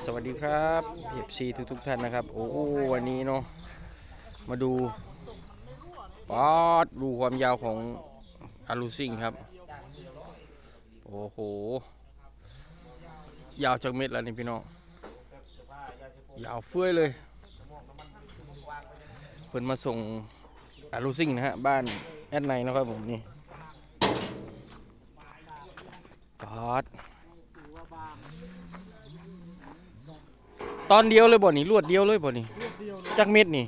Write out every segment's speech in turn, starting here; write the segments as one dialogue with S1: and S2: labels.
S1: สวัสดีครับ FC ทุกท่านนะครับโอ้วันนี้เนาะมาดูป๊อดดูความยาวของอารูซิงครับโอ้โหยาวจากเม็ดแล้วนี่พี่น้องยาวเฟ้ยเลยเพิ่นมาส่งอารูซิงนะฮะบ้านแอดไนนะครับผมนี่ป๊อดตอนเดียวเลยบ่นี่รวดเดียวเลยบ่นี่จากเม็ดนี่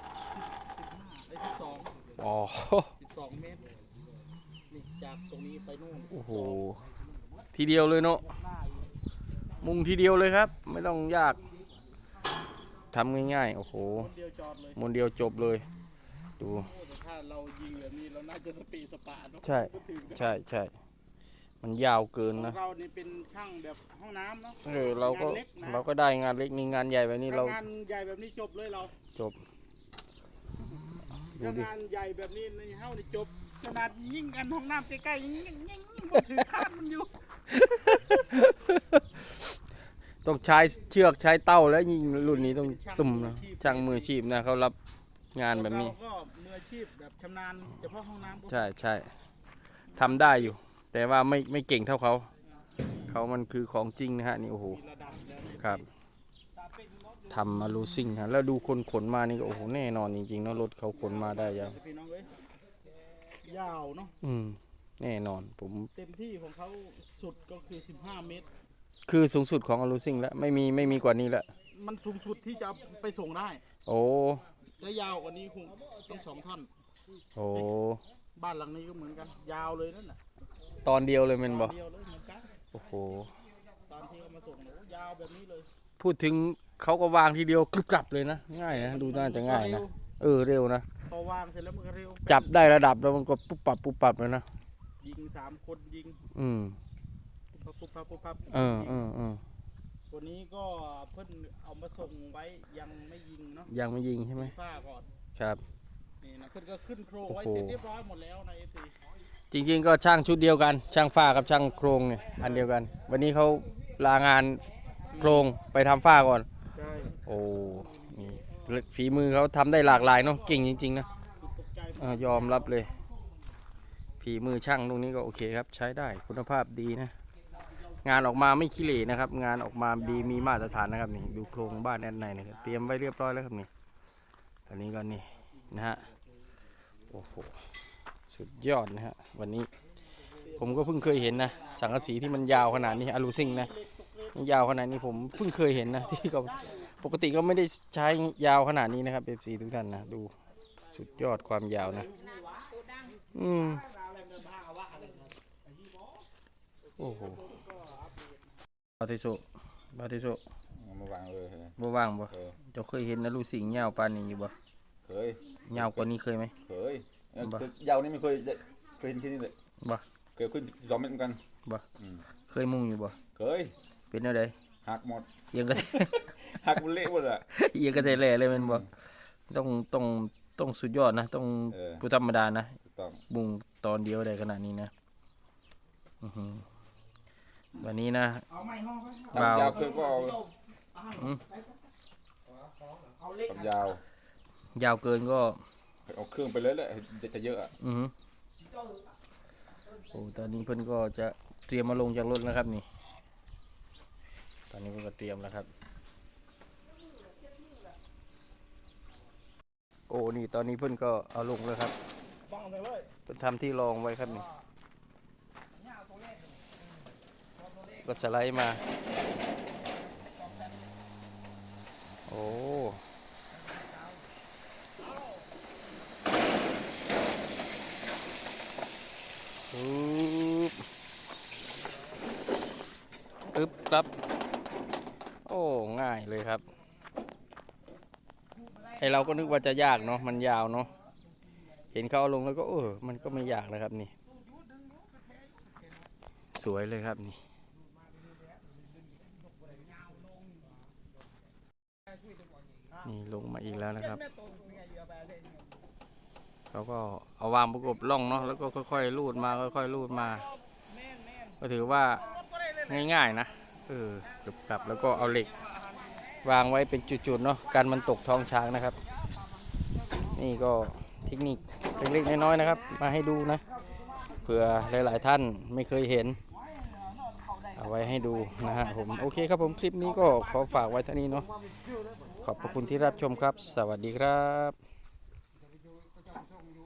S1: อ๋อ
S2: 12 เมตรนี่จากตรงนี้ไปนู่น
S1: โอ้โหทีเดียวเลยเนาะมุงทีเดียวเลยครับไม่ต้องยากทำง่ายๆโอ้โหมนเดียวจบเลยดู
S2: ถ้าเรายิงแบบนี้เราน่าจะสปีดสปาเนาะ
S1: ใช่ใช่มันยาวเกินนะ
S2: เรานี่เป็นช่างแบบห้องน้ำเนาะ
S1: เราก็ได้งานเล็กนี่งานใหญ่แบบนี้เรา
S2: งานใหญ่แบบนี้จบเลยเรา
S1: จบ
S2: งานใหญ่แบบนี้ในเฮ้านี่จบขนาดยิงกันห้องน้ำใกล้ๆยิงถือคาดมันอยู่
S1: ต้องใช้เชือกใช้เต้าแล้วยิงรุ่นนี้ต้องตุ่มนะช่างมืออาชีพนะเขารับงานแบบนี้
S2: เราก็มืออาชีพแบบชำนาญเฉพาะห้องน้ำ
S1: ใช่ทำได้อยู่แต่ว่าไม่เก่งเท่าเขามันคือของจริงนะฮะนี่โอ้โหครับทำมาลูซิ่งฮะแล้วดูคนขนมานี่ก็โอ้โหแน่นอนจริงๆเนาะรถเขาขนมาได้ยา
S2: วยาวเนาะ
S1: แน่นอนผม
S2: เต็มที่ของเขาสุดก็คือ15 เมตร
S1: คือสูงสุดของอาลูซิ่งแล้วไม่มีกว่านี้แล้ว
S2: มันสูงสุดที่จะไปส่งได้
S1: โอ้
S2: และยาวกว่านี้คงต้อง2 ท่อน
S1: โอ้
S2: บ้านหลังนี้ก็เหมือนกันยาวเลยนั่นน่ะ
S1: ตอนเดียวเลยมันบอกโอ้โห
S2: ตอนที่เขามาส่งยาวแบบนี้เลย
S1: พูดถึงเขาก็วางทีเดียวกลับเลยนะง่ายนะดูน่าจะง่ายนะเร็วนะ
S2: พอวางเสร็จแล้วมันก็เร็ว
S1: จับได้ระดับแล้วมันก็ปุ๊บปับเลยนะ
S2: ยิง3 คนยิงปุ๊บปั๊บวันนี้ก็เพิ่นเอามาส่งไว้ยังไม่ยิงเนาะ
S1: ยังไม่ยิงใช่ไหม
S2: ฝ้าก่อน
S1: ครับ
S2: นี่นะเพิ่นก็ขึ้นโครงไว้เสร็จเรียบร้อยหมดแล้วในเอฟซี
S1: จริงๆก็ช่างชุดเดียวกันช่างฝ้ากับช่างโครงเนี่ยอันเดียวกันวันนี้เขาลางานโครงไปทำฝ้าก่อน
S2: ใช่
S1: โอ้นี่ฝีมือเขาทำได้หลากหลายเนาะเก่งจริงๆนะยอมรับเลยฝีมือช่างตรงนี้ก็โอเคครับใช้ได้คุณภาพดีนะงานออกมาไม่ขี้เหร่นะครับงานออกมาดีมีมาตรฐานนะครับนี่ดูโครงบ้านแอดไนนะครับเตรียมไว้เรียบร้อยแล้วครับนี่ตอนนี้ก็นี่นะฮะโอ้โหสุดยอดนะฮะวันนี้ผมก็เพิ่งเคยเห็นนะสังกะสีที่มันยาวขนาดนี้อารูซิ่งนะยาวขนาดนี้ผมเพิ่งเคยเห็นนะที่ก็ปกติก็ไม่ได้ใช้ยาวขนาดนี้นะครับFCทุกท่านนะดูสุดยอดความยาวนะโอ้โหบาติโซ
S3: มาวางเลย
S1: บ่ว่างบ่เจ้าเคยเห็นนะลูกสิงห์ยาวปานนี้อยู่บ่
S3: เคย
S1: ยาวกว่านี้เคยไหม
S3: เคยยาวนี่ไม่เคยเห็นที่นี่เลย
S1: บ่
S3: เคยขึ้น12 เมตรเหมือนกัน
S1: บ่เคยมุ่งอยู่บ่
S3: เคย
S1: เป็นอะไร
S3: หักหมด
S1: ยังก็
S3: หักมันเละหมดอ่ะ
S1: ยังก็แล่เลยมันบ่ต้องสุดยอดนะต้องผู้ธรรมดานะมุ่งตอนเดียวได้ขนาดนี้นะวันนี้นะ
S3: ยาวเกินก็เอา
S1: ยาวเกินก็
S3: เอาเครื่องไปเลยแหละจะเยอะอ่ะ
S1: โอ้ตอนนี้เพิ่นก็จะเตรียมมาลงจากรถแล้วครับนี่ตอนนี้เพิ่นก็เตรียมแล้วครับโอ้นี่ตอนนี้เพิ่นก็เอาลงแล้วครับเพิ่นทำที่รองไว้ครับนี่ก็สไลด์มาโอ้ปึ๊บครับโอ้ง่ายเลยครับไอเราก็นึกว่าจะยากเนาะมันยาวเนาะเห็นเขาลงแล้วก็มันก็ไม่ยากนะครับนี่สวยเลยครับนี่ลงมาอีกแล้วนะครับเขาก็เอาวางประกบล่องเนาะแล้วก็ค่อยๆลูดมาก็ถือว่าง่ายๆนะกลับแล้วก็เอาเหล็กวางไว้เป็นจุดๆเนาะกันมันตกท้องช้างนะครับ นี่ก็เทคนิคเล็กๆน้อยๆนะครับ มาให้ดูนะเผื่อหลายๆท่านไม่เคยเห็น เอาไว้ให้ดูนะฮะผมโอเคครับผมคลิปนี้ก็ขอฝากไว้เท่านี้เนาะขอบพระคุณที่รับชมครับ สวัสดีครับ